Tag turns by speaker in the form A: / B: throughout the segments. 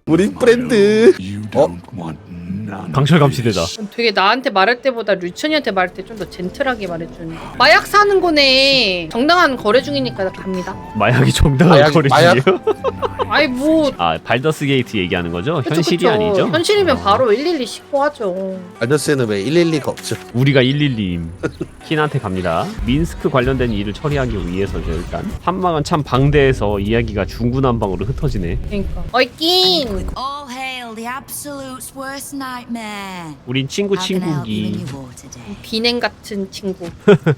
A: 우리 프렌드.
B: 강철 감시대다.
C: 되게 나한테 말할 때보다 류천이한테 말할 때 좀 더 젠틀하게 말해주는. 마약 사는 거네. 정당한 거래 중이니까 갑니다.
B: 마약이 정당한 거리지요?
C: 아이 뭐.
B: 아 발더스 게이트 얘기하는 거죠?
C: 그쵸,
B: 현실이
C: 그쵸.
B: 아니죠?
C: 현실이면 바로 112 신고하죠.
A: 알더스에는 왜 112가 없죠?
B: 우리가 112임. 킨한테 갑니다. 민스크 관련된 일을 처리하기 위해서죠. 일단 한방은 참 방대해서 이야기가 중구난방으로 흩어지네.
C: 그러니까. 어이낀.
D: All hail the absolute's worst nightmare.
B: 우린 친구
D: How can I help you
B: 친구기.
D: in your war today?
C: 비냉 같은 친구.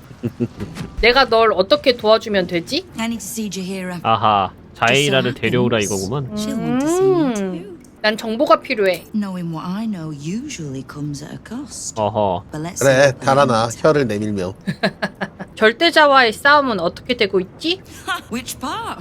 C: 내가 널 어떻게 도와주면 되지?
D: I need to see Jahira.
B: 아하 자이라를 데려오라 이거구만.
D: She'll want to see you too.
C: 난 정보가 필요해.
D: Knowing what I know usually comes at a cost.
B: 어허.
D: But let's
A: 그래,
D: see what
A: 달아나.
D: we
A: 혀를 내밀며.
C: 절대자와의 싸움은 어떻게 되고 있지?
D: want. Which part?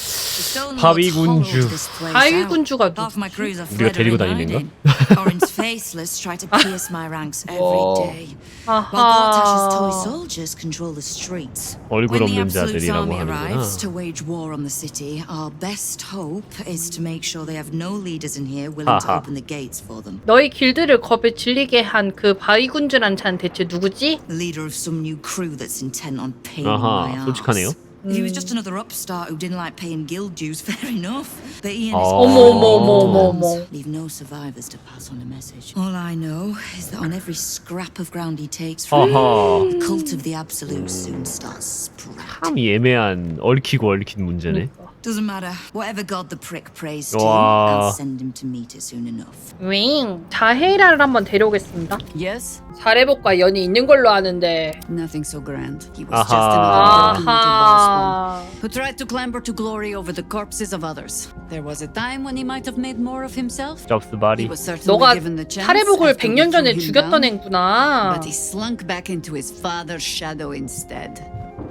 B: 바위군주.
C: 바위군주가
D: Half my
C: 누구지?
D: crews are
B: 우리가
D: fled
B: 데리고
D: or
B: 다니는
D: hiding. Orin's faceless try to pierce my ranks every
A: 와.
D: day. While Gortash's toy
C: 아하.
D: soldiers control the streets.
B: 얼굴
D: When the
B: 없는
D: Absolute's
B: 자들이라고
D: army arrives
B: 하는구나.
D: to wage war on the city, our best hope is to make sure they have no leaders in here willing to
B: 하하.
D: open the gates for them.
C: 너희 길드를 겁에 질리게 한 그 바위군주란 자는 대체 누구지?
D: The leader of some new crew that's intent on paying
B: 아하,
D: my
B: 솔직하네요.
D: arse. If he was just another upstart who didn't like paying guild dues, fair enough. But he and his
B: 어머,
C: 어머.
D: leave no survivors to pass on a message. All I know is that on every scrap of ground he takes from
B: 어허.
D: the cult of the Absolute soon starts sprouting.
B: 참 애매한 얽히고 얽힌 문제네.
D: Doesn't matter. Whatever god the prick prays to,
B: 와.
D: I'll send him to meet it soon enough.
C: 윙. 자헤이라를 한번 데려오겠습니다.
E: Yes?
C: 사례복과 연이 있는 걸로 아는데.
E: Nothing so grand. He was
B: Aha.
E: just another victim to
C: 아하.
E: Bossman, who tried to clamber to glory over the corpses of others. There was a time when he might have made more of himself.
B: 접스
E: He
B: 바리.
E: was certainly
C: 너가
E: given the chance
C: 사례복을
E: after we
C: 100년 전에
E: threw him
C: 죽였던
E: down,
C: 애구나.
E: but he slunk back into his father's shadow instead.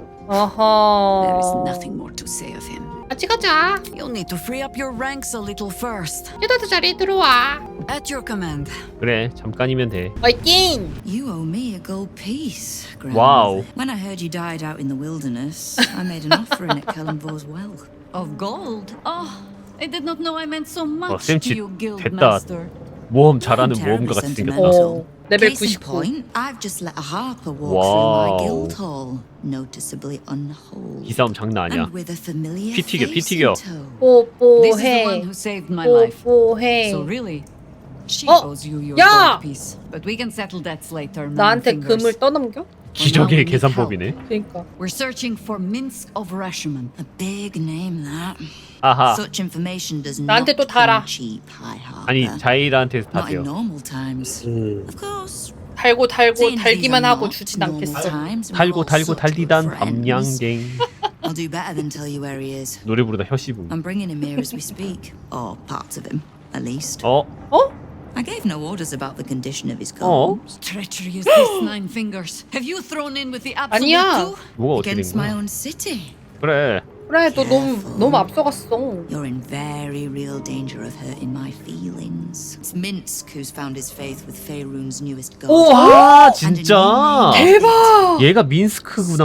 E: There is
C: 어허.
E: nothing more to say of him.
C: 같이 가자.
E: You'll need to free up your ranks a little first.
C: 휴다드 자리에 들어와.
E: At your command.
B: 그래 잠깐이면 돼.
C: 어이낀.
D: You owe me a gold piece,
B: Wow.
D: grandmother. When I heard you died out in the wilderness, I made an offering at Kellenvor's well.
E: Of gold? Oh, I did not know I meant so much
B: 쌤치
E: to you, guild
B: 됐다.
E: master.
B: 모험 잘하는
D: Terribly
B: 모험가 같이 생겼다.
D: sentimental.
C: 어. 레벨
D: Case in
C: 99.
D: point, I've just let a harper walk
B: Wow.
D: through my guild hall, noticeably unwhole.
B: 이 싸움 장난 아니야.
D: And with a familiar
B: 피 튀겨, 피
D: face
B: 튀겨.
D: in tow.
E: This is the one
C: 뽀뽀해.
E: who saved my life.
C: 뽀뽀해.
E: So really, she
C: 어,
E: owes you your
C: 야!
E: gold piece. But we can settle debts later.
C: 나한테
E: Nine
C: 금을
E: fingers.
C: 떠넘겨?
B: 기적의 계산법이네.
C: 그러니까.
E: We're searching for Minsk of Rashomon.
D: A big name, that.
B: 아하.
D: Such information does
C: 나한테
D: not
C: 또 달아.
D: come cheap, High Harper.
B: 아니 자이라한테
D: Not in
B: 다세요.
D: normal times. Of course.
C: 달고
D: seeing as these
C: 달기만
D: are
C: 하고
D: not
C: 주진
D: normal
C: 않겠어.
D: times, we're
B: 달고
D: all
B: 달고
D: such good
B: 달리단
D: friends.
B: 밤양갱.
D: I'll do better than tell you where he is.
B: 노래 부르다 혀씹음.
D: I'm bringing him here as we speak. Or parts of him, at least.
B: 어?
C: 어?
D: I gave no orders about the condition of his
B: 어?
D: columns.
E: Treachery is this Nine Fingers. Have you thrown in with the absolute
C: 아니야.
E: too?
B: 뭐가 어떻게 된
D: Against my
B: 거야?
D: own city.
B: 그래.
C: 그래 너 너무 앞서갔어.
D: You're in very real danger of hurting my feelings. It's Minsk who's found his faith with Faerun's newest god.
C: 오,
B: 아 진짜.
C: 대박.
B: 얘가 민스크구나.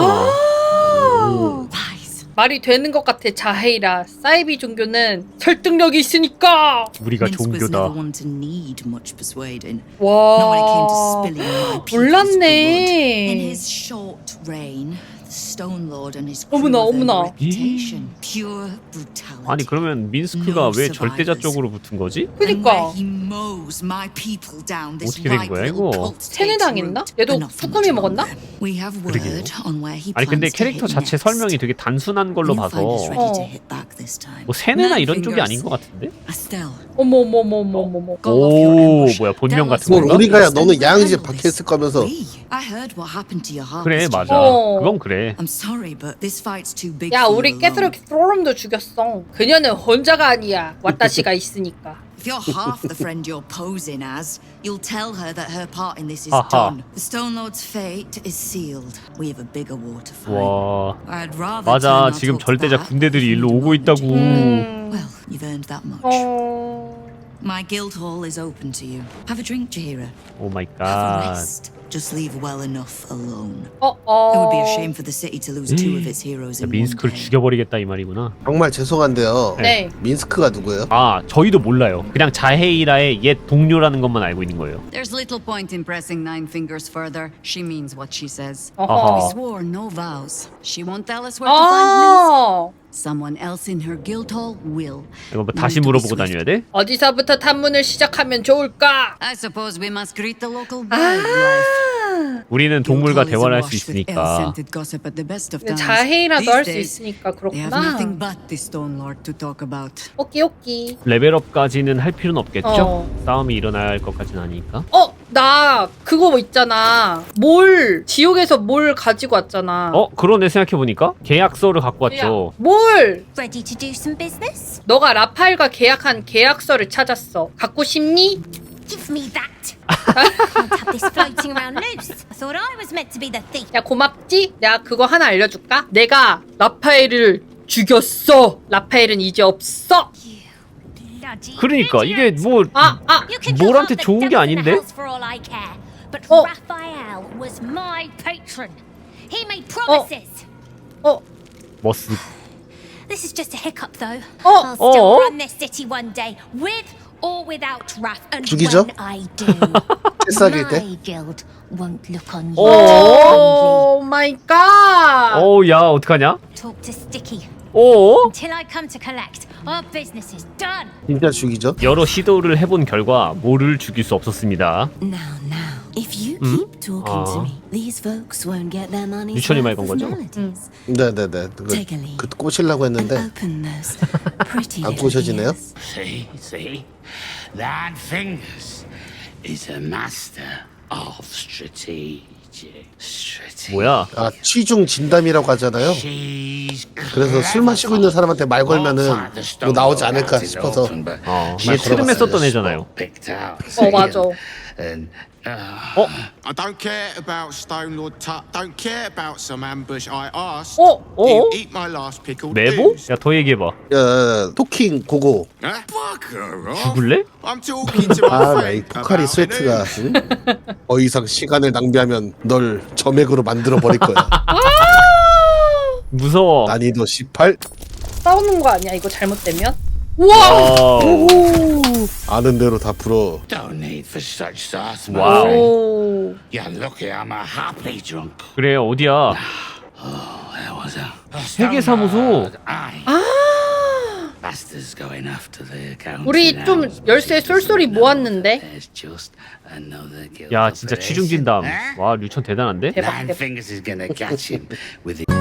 D: Lies.
C: 말이 되는 것 같아 자헤이라. 사이비 종교는 설득력이 있으니까.
B: 우리가
D: Minsk was never
B: 종교다.
D: one to need much persuading. Not when it came to
C: 와.
D: spilling my people's blood. In
C: 몰랐네.
D: his short reign, the Stone Lord and his
C: 어머나,
D: crew
C: 어머나.
D: of reputation, pure brutality.
B: 아니 그러면 민스크가 왜 절대자 쪽으로 붙은 거지?
D: And where
C: 그니까.
D: he mows my people down this
B: 어떻게 된
D: ripe
B: 거야,
D: little
B: 이거?
D: cult
C: 세뇌당했나?
D: takes root,
C: 얘도
D: but not for
C: 쭈꾸미
D: much
C: 먹었나?
D: longer. We have word on where he
B: 아니 근데
D: plans to
B: 캐릭터
D: hit
B: 자체
D: next.
B: 설명이 되게 단순한 걸로
D: You'll
B: 봐서
D: find us ready to
C: 어.
D: hit back this time.
B: 뭐 세뇌나
E: Nine
B: 이런 쪽이
E: fingers.
B: 아닌 것 같은데?
D: Estelle,
C: 어머머머머머머.
E: Call off your
B: 오
E: ambush.
B: 뭐야 본명
E: Tell us
B: 같은
A: 뭘
B: 건가?
A: 우리가야 너는 양이집 박혀있을 거면서.
D: we. I heard what happened to your
B: 그래
D: harvest.
B: 맞아.
C: 어.
B: 그건 그래.
D: I'm sorry, but this fight's too big
C: 야
D: for you
C: 우리
D: alone.
C: 깨스로키 소름도 죽였어. 그녀는 혼자가 아니야. 와타시가 있으니까.
D: If you're half the friend you're posing as, you'll tell her that her part in this is
B: 하하.
D: done. The Stone Lord's fate is sealed. We have a bigger war to fight.
B: 와
D: I'd rather turn
B: 맞아
D: our
B: 지금
D: talk to
B: 절대자
D: that
B: 군대들이
D: than
B: 일로
D: to
B: 오고 있다고.
C: 음.
D: Well, you've earned that much.
C: 어.
D: My guild hall is open to you. Have a drink, Jaheira.
B: 오 마이
D: Have a
B: 갓.
D: rest. Just leave well enough alone. It would be a shame for the city to lose two of its heroes in one
B: 민스크를
D: day.
B: 죽여버리겠다 이 말이구나.
A: 정말 죄송한데요.
C: 네.
A: 민스크가 누구예요?
B: 아 저희도 몰라요. 그냥 자헤이라의 옛 동료라는 것만 알고 있는 거예요.
E: There's little point in pressing Nine Fingers further. She means what she says.
B: 아하.
C: 어허.
E: We swore no vows. She won't tell us where to find Minsk.
C: 어.
E: Someone else in her guild hall will.
B: 이거 뭐 다시 물어보고 다녀야 돼?
C: 어디서부터 탐문을 시작하면 좋을까?
E: I suppose we must greet the local wildlife.
B: 우리는 동물과 대화를 할 수 있으니까.
C: 자해이라도 할 수 있으니까
E: They have
C: 그렇구나.
E: nothing but the Stone Lord to talk about.
C: 오끼.
B: 레벨업까지는 할 필요는 없겠죠?
C: 어.
B: 싸움이 일어날 것까지는 아니니까.
C: 나 그거 뭐 있잖아. 지옥에서 뭘 가지고 왔잖아.
B: 그러네 생각해보니까 계약서를 갖고 왔죠.
C: 뭘?
F: Ready to do some business?
C: 너가 라파엘과 계약한 계약서를 찾았어. 갖고 싶니?
F: Give me that. I can't have this floating around loose. I thought I was meant to be the thief.
C: 야 고맙지? 내가 그거 하나 알려줄까? 내가 라파엘을 죽였어. 라파엘은 이제 없어.
F: Bloody
B: 그러니까 이게
F: idiot.
B: 뭐
F: You can kill
B: 뭘한테
F: half the
B: 좋은 게
F: devils in the
B: 아닌데?
F: house for all I care. But
C: 어.
F: Raphael was my patron. He made promises.
B: 머스.
F: This is just a hiccup, though.
C: 어.
F: I'll still
B: 어.
F: run this city one day, with or without Raph. And
A: 죽이죠?
F: when I do,
A: 새싹일 때?
F: my guild won't look on you
C: 오
F: kindly.
C: 마이 갓.
B: 야 어떡하냐?
F: Talk to Sticky.
B: 오?
F: Until I come to collect, our business is done.
A: 진짜 죽이죠?
B: 여러 시도를 해본 결과 모를 죽일 수 없었습니다.
G: Now, if you keep talking to me, these folks won't get their money's
B: 유천이 말
G: worth
B: 건
G: of
B: 거죠?
G: melodies.
A: 네네네.
G: Take a leaf
A: 그 꼬시려고
G: and
A: 했는데
G: open those pretty
A: 안
G: little
A: 꼬셔지네요.
G: ears.
H: See? Nine Fingers is a master of strategy.
B: 뭐야?
A: 아 취중 진담이라고 하잖아요. 그래서 술 마시고 있는 사람한테 말 걸면은 뭐 나오지 않을까 싶어서.
B: 이게 트름에 썼던 애잖아요.
C: 맞아.
I: I don't care about Stone Lord Tut. Don't care about some ambush I asked.
B: 어?
I: You eat my last pickled
B: 메보?
I: ooze.
B: 야 더 얘기해봐.
A: 야, 토킹 고고.
I: Huh? Bugger off.
B: 죽을래?
I: I'm talking to my
A: 아,
I: friend
A: 이 포카리
I: about
A: 스웨트가
I: it.
A: 응? 더 이상 시간을 낭비하면 널 점액으로 만들어 버릴 거야.
B: 무서워.
A: 난이도 18.
C: 싸우는 거 아니야? 이거 잘못되면? 우와.
A: 아는 대로 다 풀어.
H: Don't need for such sauce, my
B: 와우.
H: friend.
C: 오.
H: You're lucky I'm a happy drunk.
B: 그래 어디야?
H: There was a
B: 세계사무소.
H: Bastards going after the account.
C: 우리 좀 열쇠 쏠쏠이 모았는데.
H: There's just another guild
B: 야 진짜
H: operation.
B: 취중진담.
H: Huh?
B: 와 류천 대단한데?
C: 대박,
H: Nine
C: 대박.
H: Fingers is gonna catch him with it.